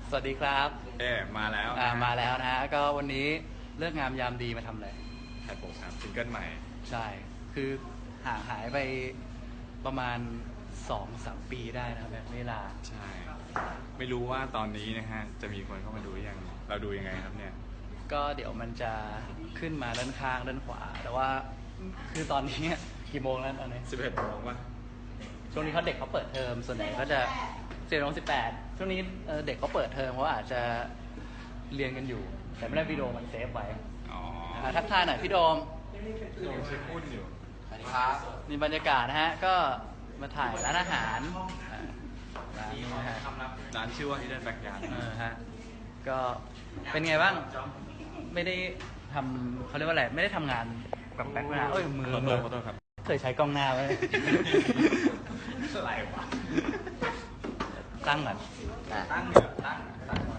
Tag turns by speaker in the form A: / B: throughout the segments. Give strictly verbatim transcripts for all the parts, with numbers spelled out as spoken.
A: สวัสดีครับ
B: เอ๊มาแล้ว
A: อ่ามาแล้วนะฮะก็วันนี้เลิกงามยามดีมาทำอะไร
B: ถ่ายโปรครับซิงเกิลใหม่
A: ใช่คือห่างหายไปประมาณสองสามปีได้นะแบบเวลา
B: ใช่ไม่รู้ว่าตอนนี้นะฮะจะมีคนเข้ามาดูยังเราดูยังไงครับเนี่ย
A: ก็เดี๋ยวมันจะขึ้นมาด้านข้างด้านขวาแต่ว่าคือตอนนี้กี่โมงแล้วตอนนี้
B: สิบเอ็ดโมงป่ะ
A: ช่วงนี้เขาเด็กเขาเปิดเทอมส่วนใหญ่ก็จะสิบโมงสิบแปดช่วงนี้เด็กเขาเปิดเทอมเขาอาจจะเรียนกันอยู่แต่ไม่ได้วิดีโอมันเซฟไว้ทักทายหน่อยพี่โดม
B: โดมเช็คหุ้นอยู่
A: สวัสดีครับนี่บรรยากาศนะฮะก็มาถ่ายร้านอาหารร้านนี้นะฮะ
B: ร้านชื่อว่า Hidden Backyard
A: เออฮะก็เป็นไงบ้างไม่ได้ทำเขาเรียกว่าอะไรไม่ได้ทำงานกับแบ็คนะเอ้ยมือมือ
B: ขอโทษครับ
A: เคยใช้กล้องหน้าไว้
B: อะไรวะ
A: ตั้งก่อน
B: ตั้งเนี่ยตั้งตั้ง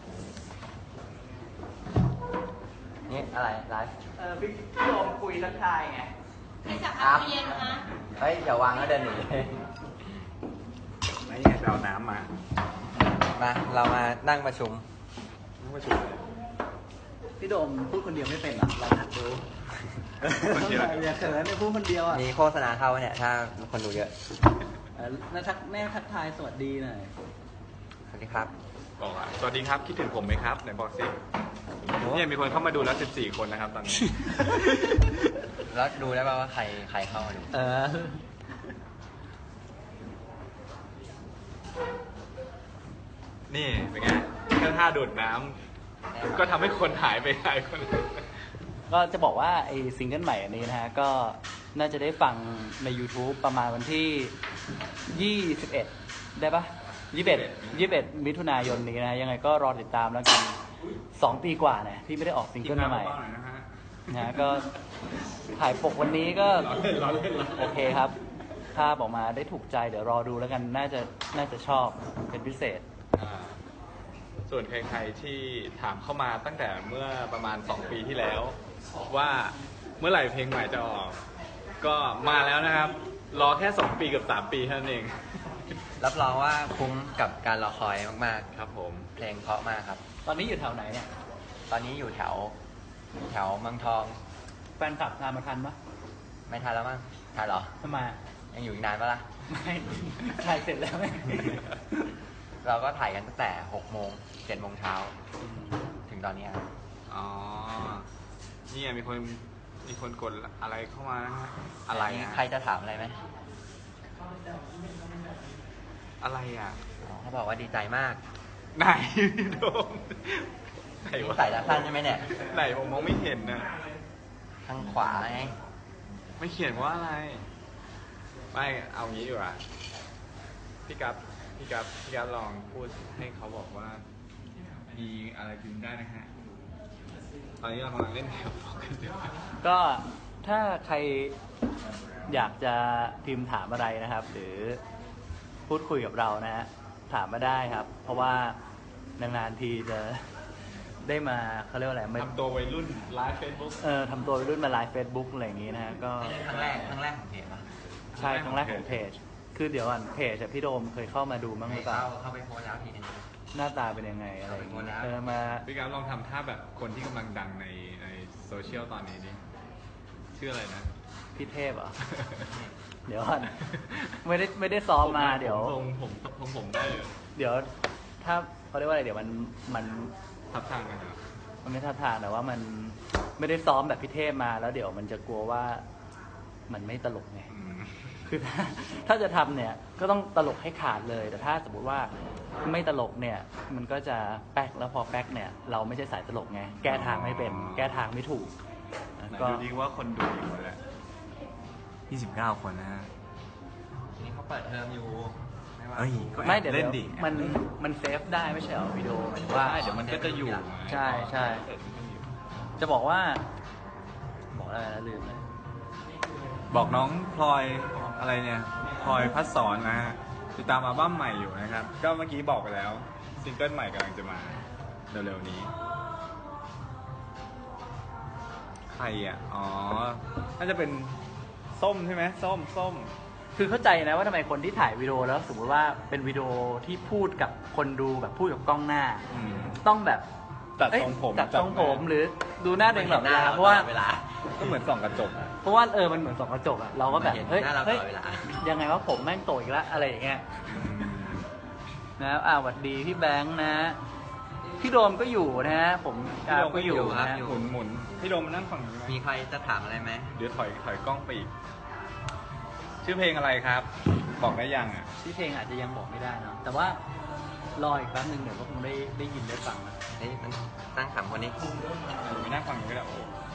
C: นี่อะไรไลฟ์
A: เออพี่โดมคุยทักทายไง
D: ใครจะเอาเย็นนะ
C: เฮ้ยอย่าวางแล้วเดินหนี
B: ไม่เนี่ยเราน้ำมา
C: มาเรามานั่งประชุม
B: นั่งประชุมเลย
A: พี่โดมพูดคนเดียวไม่เป็นหรอเราหัดดู
B: คนเดียว
A: อย่าเขินเนี่ยพูดคนเดียวอ่ะ
C: มีโฆษณาเข้าเนี่ยถ้าคนดูเยอะ
A: น่าทักแม่ทักทายสวัสดีหน่อย
C: สวัสดีครับ
B: บอกว่าสวัสดีครับคิดถึงผมไหมครับไหนบอกสิเนี่ยมีคนเข้ามาดูแล้วสิบสี่คนนะครับตอนนี้
C: แล้วดูได้ป่าวว่าใครใครเข้ามาดู
A: เออ
B: นี่เป็นไงแค่ท่าดูดน้ำก็ทำให้คนหายไปหลายคน
A: ก็จะบอกว่าไอ้ซิงเกิลใหม่อันนี้นะฮะก็น่าจะได้ฟังใน YouTube ประมาณวันที่ยี่สิบเอ็ดได้ปะยี่สิบเอ็ด ยี่สิบเอ็ดมิถุนายนนี้นะยังไงก็รอติดตามแล้วกันสองปีกว่าเนี่ยที่ไม่ได้ออกซิงเกิลใหม่นะก็ถ่ายปกวันนี้ก็โอเคครับภาพออกมาได้ถูกใจเดี๋ยวรอดูแล้วกันน่าจะน่าจะชอบเป็นพิเศษ
B: ส่วนใครๆที่ถามเข้ามาตั้งแต่เมื่อประมาณสองปีที่แล้วว่าเมื่อไหร่เพลงใหม่จะออกก็มาแล้วนะครับรอแค่สองปีกับสามปีเท่านั้นเอง
C: รับรองว่าคุ้มกับการรอคอยมาก
B: ๆครับผม
C: เพลงเพราะมากครับ
A: ตอนนี้อยู่แถวไหนเนี่ย
C: ตอนนี้อยู่แถวแถวเมืองทอง
A: แฟนคลับตามมาทันปะ
C: ไม่ทันแล้วมั้งทันเหรอ
A: ทำไม
C: ยังอยู่อีกนานปะล่ะ
A: ไม่ถ่ายเสร็จแล้วไหม
C: เราก็ถ่ายกันตั้งแต่หกโมงเจ็ดโมงเช้าถึงตอนนี้ครับ
B: อ๋อนี่มีคนมีคนกดอะไรเข้ามานะฮะอะไร
C: ใครจะถามอะไรไหม
B: อะไรอ่ะ
C: เขาบอกว่าดีใจมาก
B: ไหนโดม
C: ไหนวะใส่ตาสั้นใช่ไหมเนี่ย
B: ไหนผมมองไม่เห็นนะ
C: ทางขวาไง
B: ไม่เขียนว่าอะไรไม่เอางี้ดีกว่าพี่กั๊บพี่กั๊บพี่กั๊บลองพูดให้เขาบอกว่ามีอะไรพิมพ์ได้นะฮะตอนนี้เรากำลังเล่นแถวกันอยู่
A: ก็ถ้าใครอยากจะพิมพ์ถามอะไรนะครับหรือพูดคุยกับเรานะฮะถามมาได้ครับเพราะว่านานๆทีจะได้มาเขาเรียกว่าอะไร
B: ทำตัววัยรุ่นไลฟ์เฟซบุ๊ก
A: เออทำตัววัยรุ่นมาไลฟ์เฟซบุ๊กอะไรอย่างงี้นะฮะก็
C: ครั้งแรกครั้งแรกของเพจปะ
A: ใช่ครั้งแรกของเพจคือเดี๋ยวก่อนเพจพี่โดมเคยเข้ามาดูมั้งหรือเปล่า
C: เข้าไปโพสแล้วทีนึง
A: หน้าตาเป็นยังไงอะไรอย่างเงี้ยเออมา
B: พี่กั๊บลองทำท่าแบบคนที่กำลังดังในในโซเชียลตอนนี้ดิชื่ออะไรนะ
A: พี่เทพอ่ะเดี๋ยวก่อนไม่ได้ไม่ได้ซ้อมมาเดี๋ยว
B: ผมผมผมผมได้
A: เดี๋ยวถ้าเขาเรียกว่าอะไรเดี๋ยวมันมัน
B: ทับทางกันเหรอ
A: มันไม่ทับทางแต่ว่ามันไม่ได้ซ้อมแบบพี่เทพมาแล้วเดี๋ยวมันจะกลัวว่ามันไม่ตลกไงคือถ้าถ้าจะทำเนี่ยก็ต้องตลกให้ขาดเลยแต่ถ้าสมมติว่าไม่ตลกเนี่ยมันก็จะแป๊กแล้วพอแป๊กเนี่ยเราไม่ใช่สายตลกไงแก้ทางไม่เป็นแก้ทางไม่ถูก
B: ก็ดูดีว่าคนดูกี่คนแล้วยี่สิบเก้าคนนะฮะ
C: นี่เขาเปิดเทอมอยู่
A: ไม่เดี๋ยวมันมันเซฟได้ไม่ใช่เหรอวิดีโอหมายถึงว่า
B: เดี๋ยวมันก็จะอยู่
A: ใช่ใช่จะบอกว่าบอกอะไรนะลืมเลย
B: บอกน้องพลอยอะไรเนี่ยพลอยพัดสอนนะฮะติดตามอัลบั้มใหม่อยู่นะครับก็เมื่อกี้บอกไปแล้วซิงเกิลใหม่กำลังจะมาเร็วๆนี้ใครอ่ะอ๋อน่าจะเป็นส้มใช่ไหมส้มส้ม
A: คือเข้าใจนะว่าทำไมคนที่ถ่ายวิดีโอแล้วสมมติว่าเป็นวิดีโอที่พูดกับคนดูแบบพูดกับกล้องหน้า
B: อืม
A: ต้องแบบ
B: ตัด
A: เอ้ย
B: ทรงผม
A: ตัดทรงผม
B: จัด
A: หรือดูหน้าตัวเองตลอดเวลาเพราะว่า
C: เวลา
B: ก็เหมือนส่องกระจกอะ
A: เพราะว่าเออมันเหมือนส่องกระจกอะเราก็แบบ
C: เห็น
A: เฮ้ย
C: หน้าเราต
A: เฮ้ย
C: ลอดเวลา
A: ยังไงว่าผมแม่งโตอีกแล้วอะไรอย่างเงี้ยนะอ่าหวัดดีพี่แบงค์นะ พี่โดมก็อยู่นะฮะผมอ่าก็อยู่นะฮะ
B: หมุนหมุนพี่โดมมานั่งฝั่งนี้ไหม
C: มีใครจะถามอะไรไหม
B: เดี๋ยวถอยถอยกล้องไปอีก ชื่อเพลงอะไรครับ บอกได้ยังอ่ะ
A: ที่เพลงอาจจะยังบอกไม่ได้เนอะแต่ว่ารออีกแป๊บนึงเดี๋ยวก็คงได้ได้ยินได้ฟังนะ
C: เฮ้ยมันตั้งขำคนนี้
B: หนูไปนั่งฝั่งนี้ก็ได้โอ้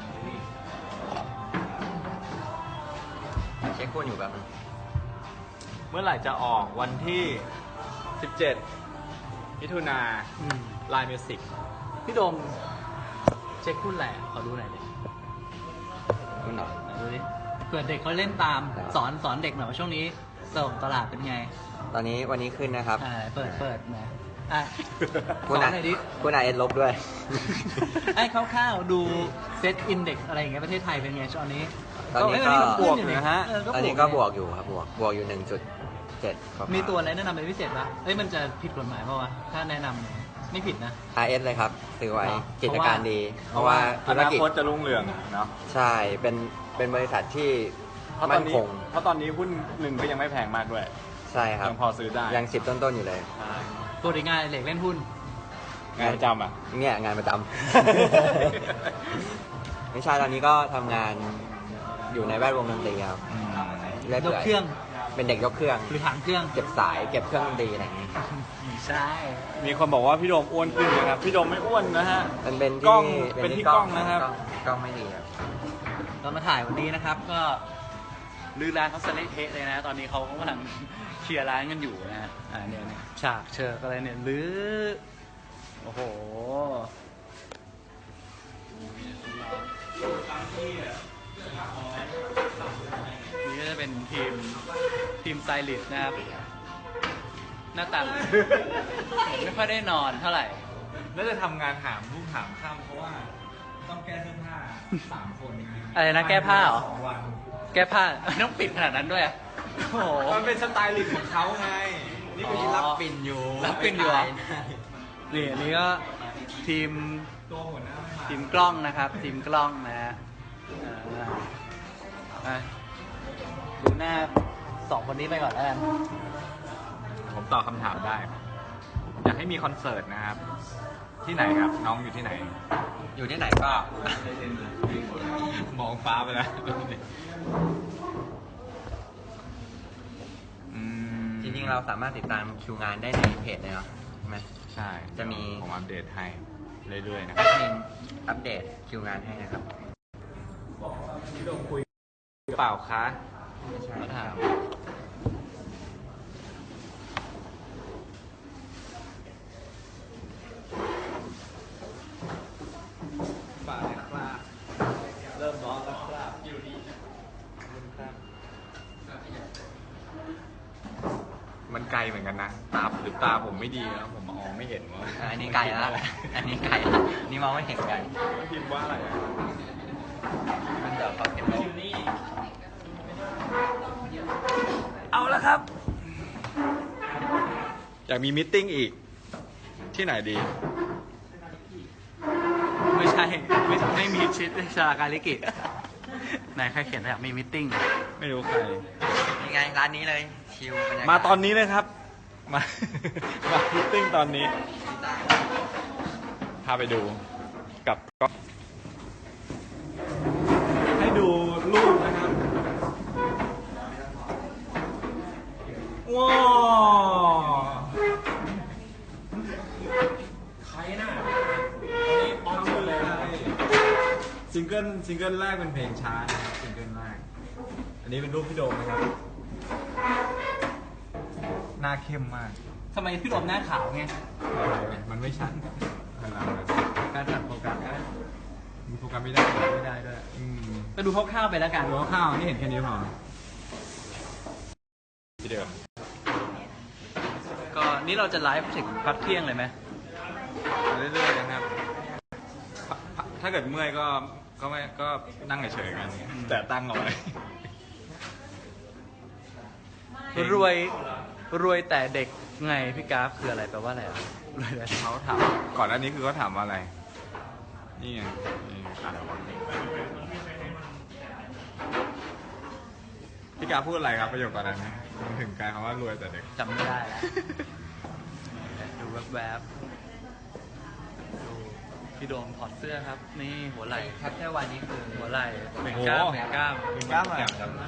C: เช็คคุณอยู่แบบนึง
B: เมื่อไหร่จะออกวันที่สิบเจ็ดมิถุนา
A: อืม
B: ไลน์มิวสิก
A: พี่โดมเช็คคุณแหละขอดูหน่อยดิ
C: คุณเหรอ
A: ไหนดูดิเผื่อเด็กเขาเล่นตาม
C: ครับ
A: สอนสอนเด็กหน่อยว่าช่วงนี้ส่งตลาดเป็นไง
C: ตอนนี้วันนี้ขึ้นนะครับ
A: อ่าเปิดเปิดนะอ่ะส
C: คุ
A: อ
C: ณ
A: น
C: อ่ะ
A: หน่อยดิ
C: คุณอ่ะเอ็นลบด้วย
A: ไอ้คร่าวๆดูเซตอินเด็กอะไรอย่างเงี้ยประเทศไทยเป็นไงช่วงนี้
C: ตอนนี้ก็
A: เย
B: บวกอยู่นะฮะ
A: เ
C: ตอนนี้ก็บวกอยู่ครับบวกบวกอยู่หนึ่งจุดเจ็ด
A: มีตัวอะไรแนะนำเป็นพิเศษปะเอ้ยมันจะผิดกฎหมายป่าวะถ้าแนะนำเนี่ยไม่ผิดนะ
C: อาร์เอสเลยครับซื้อไว้
A: เหรอ
C: กิจการดี เพราะว่า
B: อ
C: ธุร
B: นา
C: กิจ
B: คตจะรุ่งเรืองเนาะ
C: ใช่ เป็นเป็นบริษัทที่
B: เพราะตอ
C: มั่
B: น
C: น
B: นี้
C: คง
B: เพราะตอนนี้หุ้นหนึ่งก็ยังไม่แพงมากด้วย
C: ใช่ครับ
B: ยังพอซื้อได้
C: ยังสิบต้นๆอยู่เลย
B: ใช่
A: ตัวดีงานเหล็กเล่นหุ้น
B: งานประจำอ่ะ
C: เนี่ยงานประจำ ไม่ใช่ตอนนี้ก็ทำงานอยู่ในแวดวงดนตรีครับเรื่อย
A: ย
C: เปื่
A: ก
C: อย
A: เครื่อง
C: เป็นเด็กยกเครื่อง
A: หรือถังเครื่อง
C: เก็บสายเก็บเครื่องดนตรีอะไรอย่างนี้
A: ใช่
B: มีคนบอกว่าพี่โดมอ้วนขึ้นนะครับ พี่โดมไม่อ้วนนะฮะ
C: มันเป็น
B: กล้
C: ที่
B: องเป็นที่กล้องนะครับ
C: กล้องกล้องไม่ดีครับ
A: ตอนมาถ่ายวันนี้นะครับ ก็ลือร้านเขาสเละเทะเลยนะ ตอนนี้เขากำลังเคลียร์ร้านกันอยู่นะอ่าเนี่ยเนี่ยฉากเชิกอะไรเนี่ยหรือโอ้โหนี่ก็จะเป็นทีมทีมไซลิสต์นะครับ หน้าตาเหมือนไม่ค่อยได้นอนเท่าไหร่
B: น่าจะทำงานหามรุ่งหามค่ำเพราะว่าต้องแก้เสื้อผ้าสามคน
A: อะไรนะแก้ผ้าเหรอ
B: สองวัน
A: แก้ผ้าต้องปิดขนาดนั้นด้วยอะโอ้โห
B: มันเป็นสไตลิสต์ของเขาไง
C: นี่คือที่รับปิ่นอยู่
A: รับปิ่นอยู่เหรอ นี่อันนี้ก็ทีม
B: ตัวหัวหน้าไม่มา
A: ทีมกล้องนะครับ ทีมกล้องนะฮะอ่าอ่ะดูหน้าสองคนนี้ไปก่อนแล้วกัน
B: ผมตอบคำถามได้ อยากให้มีคอนเสิร์ตนะครับ ที่ไหนครับ น้องอยู่ที่ไหน
C: อยู่ที่ไหนก็
B: มองฟ้าไปแล้วอืม
C: จริงๆเราสามารถติดตามคิวงานได้ในเพจเลยเนาะใช่ไหม
B: ใช่
C: จะมี
B: ผมอัปเดตให้เรื่อยๆนะ
C: แอดมินอัปเดตคิวงานให้นะครับ
B: พี่โดมคุยเปล่าคะ
A: มาถาม
B: ฝากนะครับ เริ่มร้อนแล้วครับอยู่ดีครับมันไกลเหมือนกันนะ ตาหรือตาผมไม่ดีแล้วผมมองไม่เห็นว่า
C: อันนี้ไกลแล้ว อันนี้ไกลแล้วนี่มองไม่เห็นไกล
B: พิมพ์ว่าอะไรอะ
C: มันจะเขาเก็บลบ
B: เอาแล้วครับ อยากมีมิทติ้งอีก ที่ไหนดี
A: ไม่ใช่ ไม่ไม่มีชิดชาการลิกิไหนใครเขียนอยากมีมิทติ้ง
B: ไม่รู้ใคร
C: ยังไงร้านนี้เลยชิวบรรยากาศ
B: มาตอนนี้เลยครับ มา มามิทติ้งตอนนี้ พาไปดูกับก็ให้ดูรูปนะครับ ว้าวใครน่ะอันนี้ออมชื่อเลยซิงเกิลซิงเกิลแรกเป็นเพลงช้านะครับซิงเกิลแรก อันนี้เป็นรูปพี่โดมนะครับ หน้าเข้มมาก
A: ทำไมพี่โดมหน้าขาวไง
B: มันไม่ชัดการจัดโฟกัสมันโฟกัสไม่ได้ ไม่ได้ด้วยอืม
A: ก็ดูคร่าวๆไปแล้วกัน
B: ดูข้าวๆนี่เห็นแค่นี้พอที่เดิม
A: ก็นี่เราจะไลฟ์ถึงพักเที่ยงเลยไหม
B: เรื่อยๆนะครับ ถ้าเกิดเมื่อยก็ ก็ไม่ ก็นั่งเฉยๆกัน แต่ตั้งเอาไว้เพลง
A: รวยรวยแต่เด็กไงพี่กราฟคืออะไรแปลว่าอะไรอ่ะรวยแต่เด็ก
B: เขาถามก่อนหน้านี้คือเขาถามว่าอะไร นี่ไงนี่อ่านออกมาพี่กาพูดอะไรครับประโยคก่อนหน้านี้มันถึงกลายคำว่ารวยแต่เด็ก
A: จำไม่ได้แล้วดูแวบๆดูพี่โดมถอดเสื้อครับ นี่หัวไหล่
C: แคปเจอร์วันนี้คือ
A: หัวไหล่เบ่งกล้าม
B: โอ้โห
A: เบ่งกล้าม
B: มีกล้ามอะไร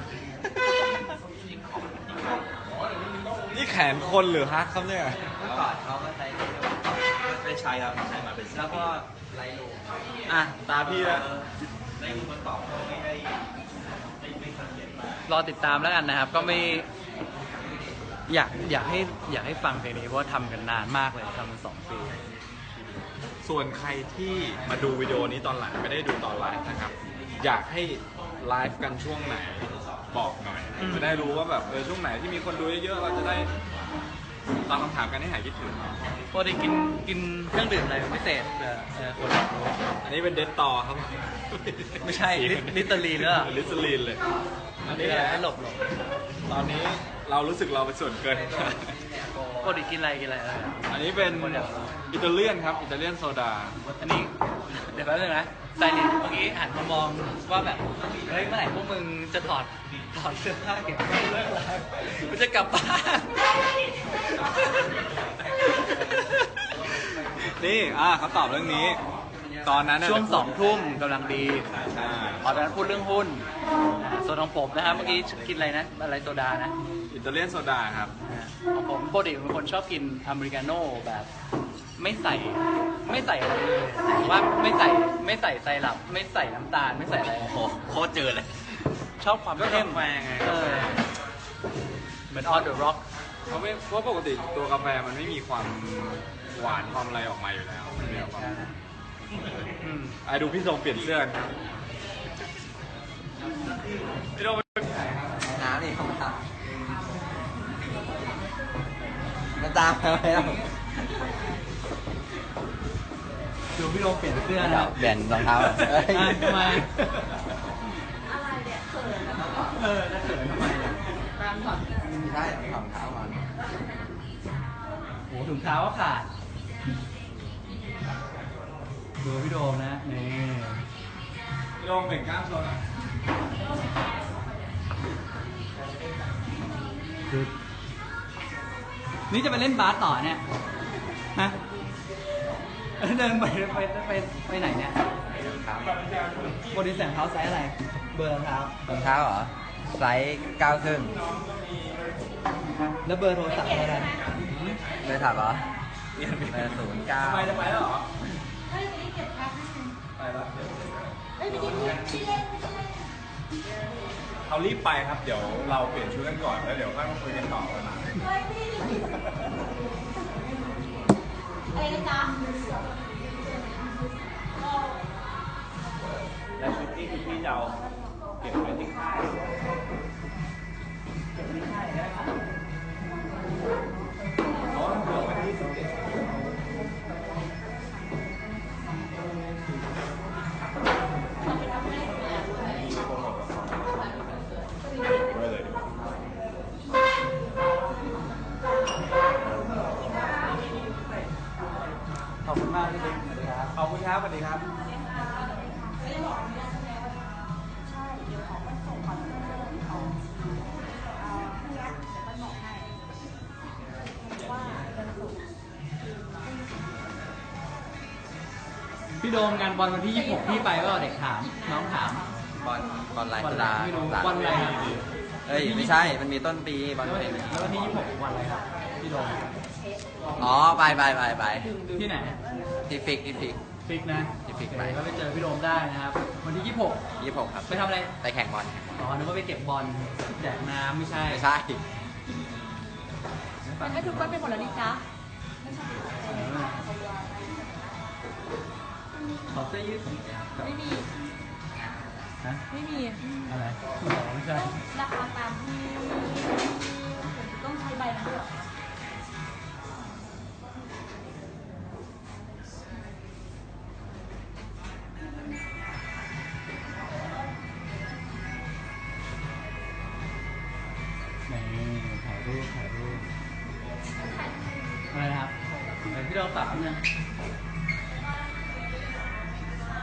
B: นี่แขนคนหรือฮักครับเนี่ย
C: เมื่อก่อนเขาก็ใช้แคปเจอร์วัน
E: ไม่ใช่ครับใช่มาเป็น
C: แล้วก็ไลโล
B: อ่ะ ตาพี่แล้ว
E: ในคนตอบไม่ได้ไม่ไม่สังเกตมาก
A: รอติดตามแล้วกันนะครับ ก็ไม่อยากอยากให้อยากให้ฟังเพลงนี้เพราะว่าทำกันนานมากเลยทำกันสองปี
B: ส่วนใครที่มาดูวิดีโอนี้ตอนหลังไม่ได้ดูตอนไลฟ์นะครับ อยากให้ไลฟ์กันช่วงไหนบอกหน่อย
A: อืม
B: จะได้รู้ว่าแบบเออช่วงไหนที่มีคนดูเยอะๆเราจะได้ตอบคำถามกันให้หายคิดถึง
A: ปกติกินกินเครื่องดื่มอะไรเป็นพิเศษเผื่อเผื่อคนอยากรู้
B: อันนี้เป็นเดตต่อครับ
A: ไม่ใช่ลิลิตเตอรีนหรือเปล่า
B: ลิตเตอรีนเลย อัน
A: นี่
B: นี้
A: แห
B: แห
A: ละ
B: ละ
A: ให้หลบหลบ
B: ตอนนี้เรารู้สึกเราเป็นส่วนเกิน
A: ปกติกินอะไรกินอะไรเออ
B: อันนี้เป็นอิตาเลียนครับ อิตาเลียนโซดา
A: อันนี้เดี๋ยวแป๊บนึงนะไซนิเมื่อกี้หันมามองว่าแบบเฮ้ยเมื่อไหร่พวกมึงจะถอดถอดเสื้อผ้าเก็บเลิกไลฟ์มันจะกลับบ้าน
B: นี่อ่าเขาตอบเรื่องนี้ ตอนนั้นน่ะ
A: ช่วงสองทุ่มกำลังดี
B: อ่า
A: ตอนนั้นพูดเรื่องหุ้นอ่าส่วนของผมนะครับเมื่อกี้กินอะไรนะอะไรโซดานะ
B: อิตาเลียนโซดาครับ
A: อ่าของผมปกติเป็นคนชอบกินอเมริกาโน่แบบไม่ใส่ไม่ใส่อะไรเลยว่าไม่ใส่ไม่ใส่ไซรัปไม่ใส่น้ำตาลไม่ใส่อะไร
E: โอ้โหโคตรเจอเลย
A: ชอบความเข้ม
B: ก็กาแฟไง
A: เออเหมือน on the rock
B: เพราะไม่เพราะปกติตัวกาแฟมันไม่มีความหวานความอะไรออกมาอยู่แล้วมันมีความ
A: อืม
B: ไอ้ดูพี่ทรงเปลี่ยนเสื้อครับพี่โดม
C: น้ำนี่เขามามันตามมาแล้ว
A: ดูพี่โดมเปลี่ยนเสื้อนะ
C: เปลี่ยนรองเท้า
A: เอ้ยทำไม
D: อะไรเนี่ยเขินแล้ว
A: เออจะเขินทำไมเนี่ย
D: ตามถอด
C: ใช่รองเท้าก่อน
A: โหถุงเท้าก็ขาดดูพี่โดมนะนี่
B: พี่โดมเปลี่ยนกล้ามโซนอ่ะ
A: คือนี่จะไปเล่นบาสต่อเนี่ยฮะเดินไปไปไปไปไหนเนี่ยโบดีแสงเท้าไซส์อะไร เบอร์รองเท้าร
C: องเท้าเหรอ ไซส์เก้าครึ่ง
A: แล้วเบอร์โทรศัพท์อะไร
C: เลยถามเหรอเบอร์ศูนย์เก้า
B: ไปจะไปแล้วเหรอ
D: เฮ้ยวันนี้เก็บพักให้
B: ไปแล้ว
D: เฮ้ยไม่ได้พูดที่เล่นไม่ได้เล่น
B: เอารีบไปครับ เดี๋ยวเราเปลี่ยนชุดกันก่อนแล้วเดี๋ยวค่อยมาคุยกันต่อกันนะ
D: เฮ้ยไม่ได้เล่นอะไรนะจ๊ะ
E: แล้วชุดนี้คือพี่จะเอาเก็บไว้ที่ค่าย
B: อ๋อเดี๋ยววันที่สิบเจ็ด
A: ขอบคุณมากที่เป็นครับ
B: ขอบคุณครับสวัสดีครับ
A: พี่โดมงานบอลวันที่ยี่สิบหกพี่ไปก็เด็กถาม น้องถาม
C: บอลบอลลาย
A: บอล
C: จุ
A: อะไร
C: ฬา
A: ไม่รู้
C: สาม
A: บอลอะไรครับ
C: เอ้ยไม่ใช่ มันมีต้นปีบอล
A: แล้ว
C: เป็น
A: แล้ววันที่ยี่สิบหกวันอะไรครับ พี่โดม
C: อ๋อ ไปไปไปไป
A: ที่ไหน
C: ที่ฟิกที่ฟิก
A: ฟิกนะ
C: ที่ฟิก
A: โอ
C: ไป
A: เคก็ไปเจอพี่โดมได้นะครับ วันที่ยี่สิบหก
C: ยี่สิบหกครับ
A: ไปทำอะไร
C: ไปแข่งบอล
A: อ๋อนึกว่าไปเก็บบอลแจกน้ำไม่ใช่
C: ไม่ใช่
D: มันก็ทุกคนเป็นหมดแล้วนี่จ๊ะ
A: เออขอเสื้อยืด
D: ไม่มี
A: ฮะ
D: ไม่มี
A: อะไรอ๋อไม่ใช่
D: ราคาตามที่ต้องใช้ใบนั้นด้วย
A: นี่ถ่ายเราสามเนี่ย